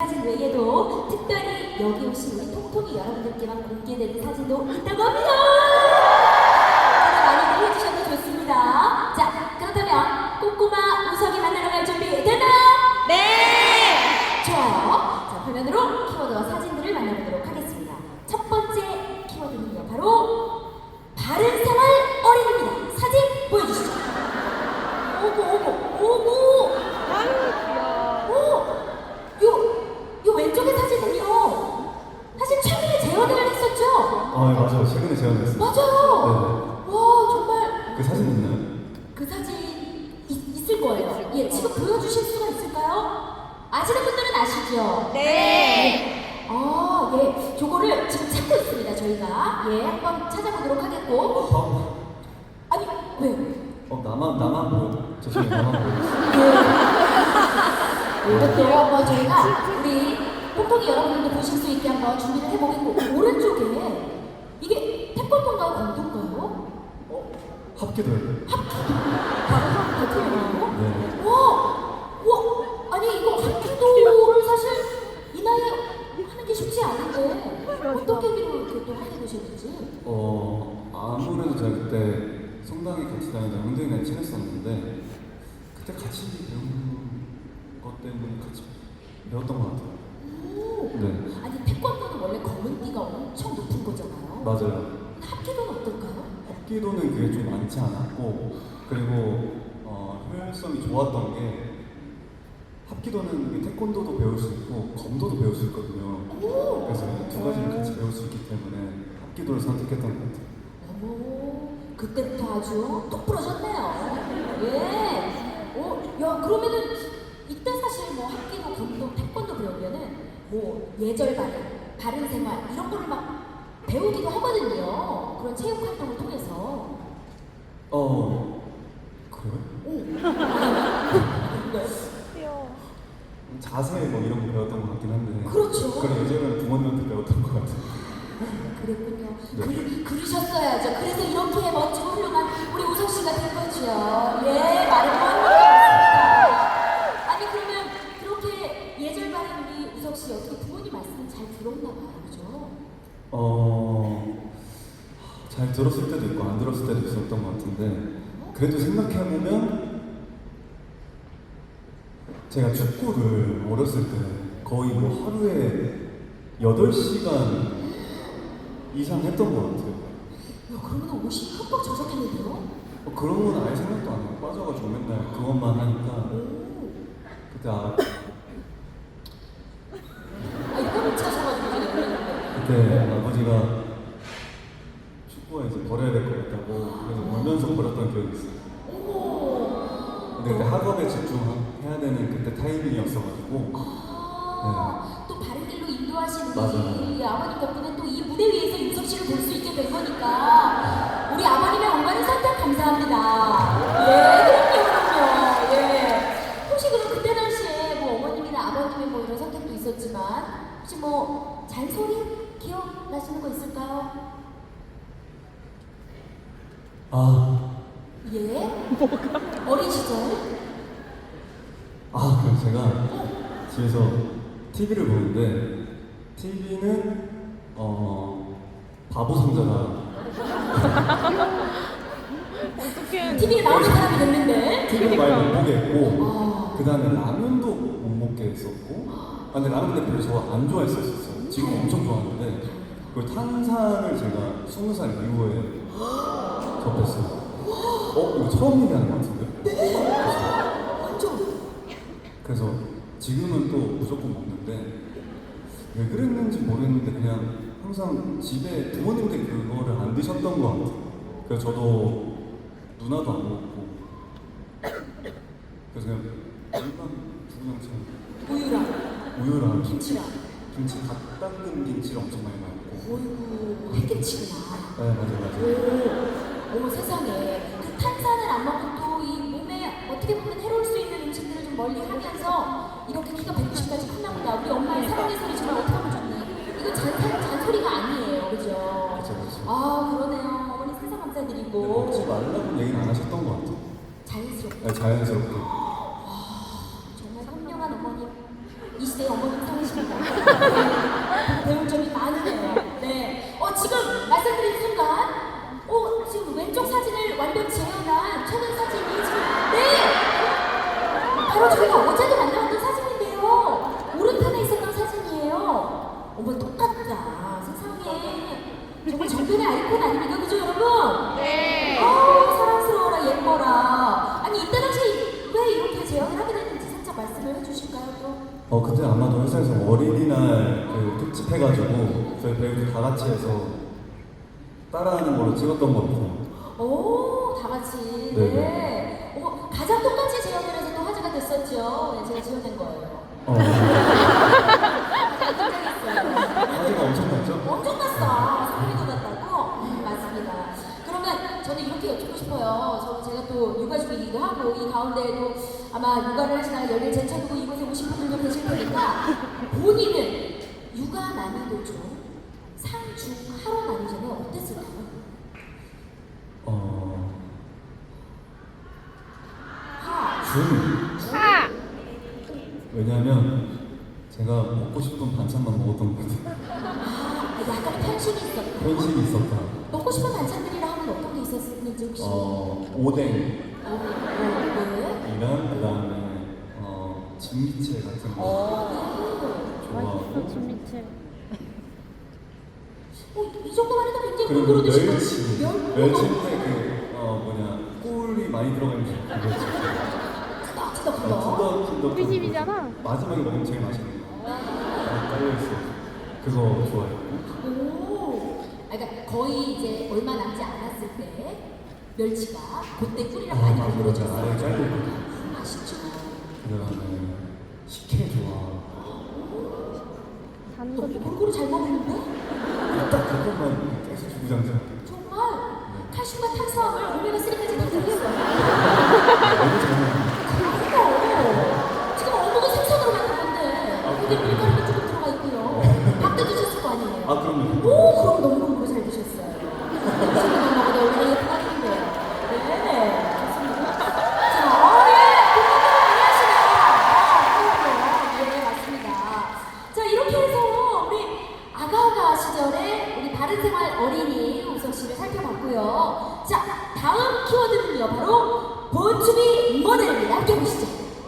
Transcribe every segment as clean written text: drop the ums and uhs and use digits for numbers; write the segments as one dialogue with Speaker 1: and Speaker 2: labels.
Speaker 1: 사진 외에도 특별히 여기 오신 우리 통통이 여러분들께만 공개되는 사진도 있다고 합니다. 많이 해주셔도 좋습니다. 자, 그렇다면 꼬꼬마 우석이 만나러 갈 준비 됐나요?
Speaker 2: 네!
Speaker 1: 좋아요. 자, 화면으로 키워드와 사진들을 만나보도록 하겠습니다. 첫 번째 키워드는요, 바로 바른생활 어린이입니다. 사진 보여주시죠. 오고.
Speaker 2: 아유, 귀여워.
Speaker 1: 요 왼쪽의 사진은요, 사실 최근에 재현을 했었죠?
Speaker 3: 아, 네, 맞아요. 최근에 재현했어요.
Speaker 1: 맞아요. 와, 정말.
Speaker 3: 그 사진 있나요?
Speaker 1: 그 사진 있을 거예요. 예, 지금 보여주실 수가 있을까요? 아시는 분들은 아시죠?
Speaker 2: 네.
Speaker 1: 아, 예. 저거를 지금 찾고 있습니다, 저희가. 예, 한번 찾아보도록 하겠고. 아니, 왜?
Speaker 3: 나만 보여. 죄송해요. 나만 보여.
Speaker 1: 예. 이것도 한번 저희가 우리 통통이 여러분들도 보실 수 있게 한번 준비를 해보겠고, 오른쪽에 이게 태권도인가요? 검도인가요?
Speaker 3: 합기도요.
Speaker 1: 합기도요?
Speaker 3: 네.
Speaker 1: 와, 아니 이거 합기도를 사실 이 나이에 하는 게 쉽지 않은데 어떤 계기로 이렇게 또 하게 되셨는지?
Speaker 3: 아무래도 제가 그때 성당에 같이 다니던 형들이랑 친했었는데 그때 같이 배운 것 때문에 같이 배웠던 것 같아요. 네.
Speaker 1: 아니 태권도는 원래 검은 띠가 엄청 높은 거잖아요.
Speaker 3: 맞아요.
Speaker 1: 합기도는 어떨까요?
Speaker 3: 합기도는 그게 좀 많지 않았고, 그리고 효율성이 좋았던 게 합기도는 이게 태권도도 배울 수 있고 검도도 배울 수 있거든요. 그래서 이 두 가지를 같이 배울 수 있기 때문에 합기도를 선택했던 것 같아요.
Speaker 1: 어머, 그때부터 아주 똑 부러졌네요. 예. 야 그러면은 이때 사실 뭐 합기도, 검도, 태권도 배우면은 뭐 예절 바른 생활 이런 거를 막 배우기도 하거든요. 그런 체육 활동을 통해서.
Speaker 3: 그래요?
Speaker 2: 귀여워.
Speaker 3: 자세 뭐 이런 거 배웠던 것 같긴 한데.
Speaker 1: 그렇죠.
Speaker 3: 그런 예전에는 부모님한테 배웠던 것 같아요.
Speaker 1: 그랬군요.
Speaker 3: 네.
Speaker 1: 그러셨어야죠. 그래서 이렇게 멋지고 훌륭한 우리 우석 씨가 된 거죠. 예, 말을 못합니다. 아니 그러면 그렇게 예절 바른 우리 우석 씨 어떻게 부모님 말씀을 잘 들었나 봐요, 그죠?
Speaker 3: 잘 들었을 때도 있고 안 들었을 때도 있었던 것 같은데, 그래도 생각해보면 제가 축구를 어렸을 때 거의 뭐 하루에 8시간 이상 했던 것 같아요.
Speaker 1: 야, 그러면 옷이 흠뻑 젖었겠는데요?
Speaker 3: 그런 건 아예 생각도 안 하고 빠져가지고 맨날 그것만 하니까 그때
Speaker 1: 이거를 찾아가지고 이제 놀랐는데.
Speaker 3: 그때 아버지가 축구가 이제 버려야 될 것 같다고 그래서 울면서 버렸던 기억이 있어요. 근데 그때 학업에 집중해야 되는 그때 타이밍이었어가지고.
Speaker 1: 또 바른 길로 인도하시는
Speaker 3: 맞아요.
Speaker 1: 우리 아버님 덕분에 또 이 무대 위에서 윤석 씨를 볼 수 있게 된 거니까 우리 아버님의 엄마는 선택 감사합니다. 예, 그럼요. 예. 혹시 그럼 그때 당시에 뭐 어머님이나 아버님의 뭐 이런 선택도 있었지만 혹시 뭐 잔소리 기억나시는 거 있을까요? 예? 어린 시절?
Speaker 3: 그래서 제가 집에서 TV를 보는데 TV는 바보 상자가
Speaker 2: 어떡해.
Speaker 1: TV에 나오는 사람이 됐는데
Speaker 3: TV를 많이 못 보게 했고, 그 다음에 라면도 못 먹게 했었고, 근데 라면 근데 별로 저 안 좋아했었어요. 지금 엄청 좋아하는데, 그리고 탄산을 제가 20살 이후에 접했어요. 이거 처음 얘기하는 것 같은데?
Speaker 1: 완전
Speaker 3: 그래서 지금은 또 무조건 먹는데, 왜 그랬는지 모르겠는데 그냥 항상 집에 부모님들이 그거를 안 드셨던 것 같아요. 그래서 저도 누나도 안 먹고, 그래서 그냥 일반 두부장처럼 우유랑
Speaker 1: 김치랑
Speaker 3: 김치 갓 담근 김치를 엄청 많이 먹고.
Speaker 1: 어이구 햇김치구나.
Speaker 3: 네, 맞아요.
Speaker 1: 어머 세상에 그 탄산을 안 먹고 또 이 몸에 어떻게 보면 해로울 수 있는 음식들을 좀 멀리 하면서 이렇게 키가 190까지 컸나 보다. 우리 엄마의 사랑의 소리 정말 어떻게 하면 좋니? 이거 잔소리가 아니에요, 그죠?
Speaker 3: 그쵸.
Speaker 1: 그러네요. 어머니 세상
Speaker 3: 근데
Speaker 1: 감사드리고
Speaker 3: 먹지 말라고 얘기는 안 하셨던 것 같아요.
Speaker 1: 자연스럽게.
Speaker 3: 네, 자연스럽게.
Speaker 1: 정말 현명한 어머님. 이 시대의 어머님 삼으시면 같습니다. 네, 배울 점이 많으네요. 네. 지금 말씀드린 순간, 지금 왼쪽 사진을 완벽 재현한 최근 사진이 지금, 네! 바로 저희가 어제도 만나봤던 사진인데요. 오른편에 있었던 사진이에요. 어머, 똑같다. 세상에. 정말 정변의 아이콘 아닙니까? 그죠, 여러분?
Speaker 2: 네.
Speaker 1: 사랑스러워라, 예뻐라. 아니, 이때 당시 왜 이렇게 재현을 하게 됐는지 살짝 말씀을 해주실까요, 또?
Speaker 3: 그때 아마도 회사에서 어린이날 그 특집 해가지고 저희 배우들 다 같이 해서 따라하는 걸로 찍었던 것 같아요.
Speaker 1: 오, 다 같이.
Speaker 3: 네네.
Speaker 1: 네. 가장 똑같이 재현을 해서 또 화제가 됐었죠. 네, 제가 지어낸 거예요.
Speaker 3: 화제가 엄청 났죠?
Speaker 1: 엄청 났어. 소름이 돋았다고? 맞습니다. 그러면 저는 이렇게 여쭙고 싶어요. 제가 또 육아 중이기도 하고, 이 가운데에도 아마 육아를 하시다가 열일 제쳐두고 이곳에 오신 분들도 계실 테니까, 본인은 육아 난이도 중 상, 중, 하로 나뉘자면 어땠을까요? 하.
Speaker 3: 중.
Speaker 2: 하!
Speaker 3: 왜냐면 제가 먹고 싶은 반찬만 먹었던 것 같아요.
Speaker 1: 약간 편식이 있었다.
Speaker 3: 편식이 있었다.
Speaker 1: 먹고 싶은 반찬들이라 하면 어떤 게 있었는지 혹시?
Speaker 3: 오뎅.
Speaker 1: 네.
Speaker 3: 이랑 그다음에 진미채 같은 거
Speaker 2: 맛있어,
Speaker 3: 좋아하고
Speaker 2: 진미채.
Speaker 1: 이 정도만 해도 굉장히
Speaker 3: 그리고
Speaker 1: 골고루 드시고.
Speaker 3: 멸치 멸치인데 꿀이 많이 들어가 있는 그 멸치
Speaker 1: 찌덕찌덕한 거.
Speaker 3: 찐덕찐덕
Speaker 2: 우리 집이잖아.
Speaker 3: 마지막에 먹으면 제일 맛있는 거 깔려있어 그거 좋아했고
Speaker 1: 오. 그러니까 거의 이제 얼마 남지 않았을 때 멸치가 그때 꿀이랑 많이
Speaker 3: 맞아
Speaker 1: 골고루졌어요.
Speaker 3: 아래 깔려있거든
Speaker 1: 맛있죠.
Speaker 3: 그다음에 식혜 좋아
Speaker 2: 단
Speaker 1: 너
Speaker 2: 거.
Speaker 1: 골고루 잘 먹는데?
Speaker 3: 딱 그것만 계속 주구장창
Speaker 1: 정말 칼슘과 탄수화물 오메가3까지 다 들어있어요.
Speaker 3: 너무 잘 먹는
Speaker 1: 그러니까 지금 어묵은 생선으로 만든 건데 근데 밀가루도 조금 들어가 있고요. 밥도 드셨을 거 아니에요?
Speaker 3: 그럼요
Speaker 1: 그럼 너무 골고루 잘 드셨어요. 지금만 먹어도 얼마나 예쁘다는데요. 네, 좋습니다. 자, 공부를 많이 하시네요. 네, 맞습니다. 자, 이렇게 해서 우리 아가아가 시절에 우리 바른생활 어린이 우석 씨를 살펴봤고요. 자, 다음 키워드는요, 바로 보충이 모델입니다. 함께 보시죠.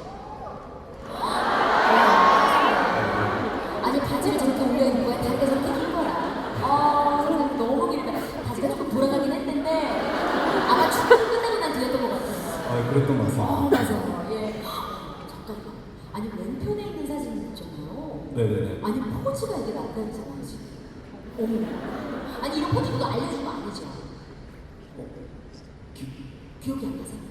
Speaker 1: 아니, 바지를 저렇게 올려입는 거야? 다리가 저렇게 긴 거야. 세상에 너무 길다. 바지가 조금 돌아가긴 했는데, 아마 춤을 끝내고 난 뒤였던 것 같아요.
Speaker 3: 그랬던 것 같습니다
Speaker 1: 맞아요. 예. 잠깐만. 아니, 왼편에 있는 사진 있잖아요.
Speaker 3: 네네네
Speaker 1: 아니, 포즈가 이게 낯가리잖아요, 지금. 어머. 아니, 이런 포즈 누가 알려준 거 아니죠? 기억이 안 나세요?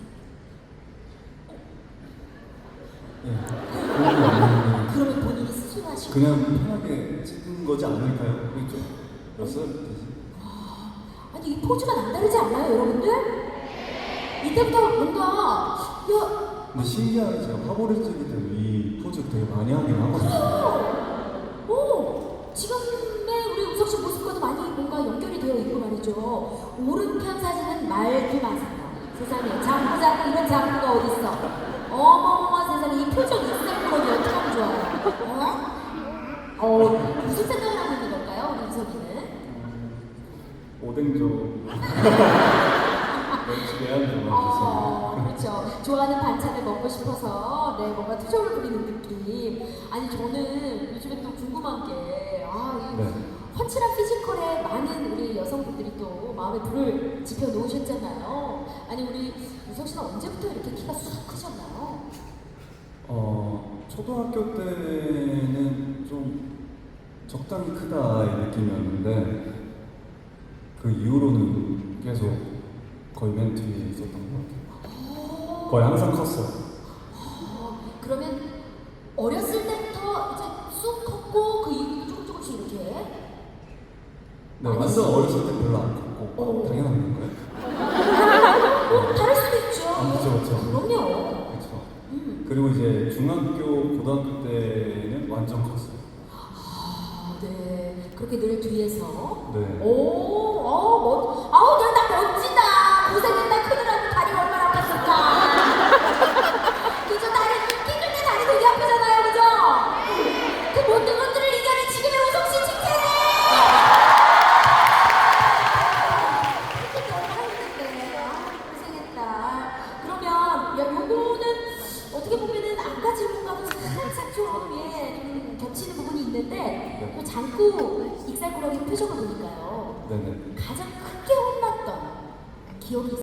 Speaker 1: 그러면 본인이 스스로 하시고.
Speaker 3: 그냥 편하게 찍은 거지 않을까요? 그렇죠? 몇 살 되지?
Speaker 1: 아니, 이 포즈가 남다르지 않나요, 여러분들? 이때부터 뭔가,
Speaker 3: 근데 신기하게 제가 화보를 찍을 때 이 포즈 되게 많이 하긴 하거든요.
Speaker 1: 지금의 우리 우석 씨 모습과도 많이 뭔가 연결이 되어 있고 말이죠. 오른편 사진은 말도 마세요. 세상에, 장구 이런 장구가 어딨어. 어머머머 세상에, 이 표정 인생으로는 어떻게 하면 좋아요? 무슨 생각을 하고 있는 걸까요, 우리 우석이는?
Speaker 3: 오뎅조 멸치 매한 좋아하셨어요.
Speaker 1: 그렇죠. 좋아하는 반찬을 먹고 싶어서 뭔가 투정을 부리는 느낌. 아니, 저는 요즘에 또 궁금한 게 이 훤칠한 피지컬에 많은 우리 여성분들이 또 마음에 불을 지펴 놓으셨잖아요. 아니, 우리 우석 씨는 언제부터 이렇게 키가 쑥 크셨나요?
Speaker 3: 초등학교 때는 좀 적당히 크다 이 느낌이었는데 그 이후로는 계속 거의 맨 뒤에 있었던 것 같아요. 거의 항상 컸어요.
Speaker 1: 그러면 어렸을 때부터 이제 쑥 컸고 그 이후로 조금씩 이렇게.
Speaker 3: 네, 완전 어렸을 때 별로 안 컸고 당연한 건가요?
Speaker 1: 다를 수도 있죠.
Speaker 3: 그렇죠.
Speaker 1: 그럼요.
Speaker 3: 그렇죠. 그리고 이제 중학교, 고등학교 때는 완전 컸어요.
Speaker 1: 네. 그렇게 늘 뒤에서.
Speaker 3: 네.
Speaker 1: 나 멋지다. 고생했다. 크느라고 다리 얼마나 아팠을까. 그죠? 다리, 끼글 때 다리 되게 아프잖아요. 그죠? 그 못된 건 자꾸 익살꾸러기 표정을 보니까요.
Speaker 3: 네네.
Speaker 1: 가장 크게 혼났던 기억이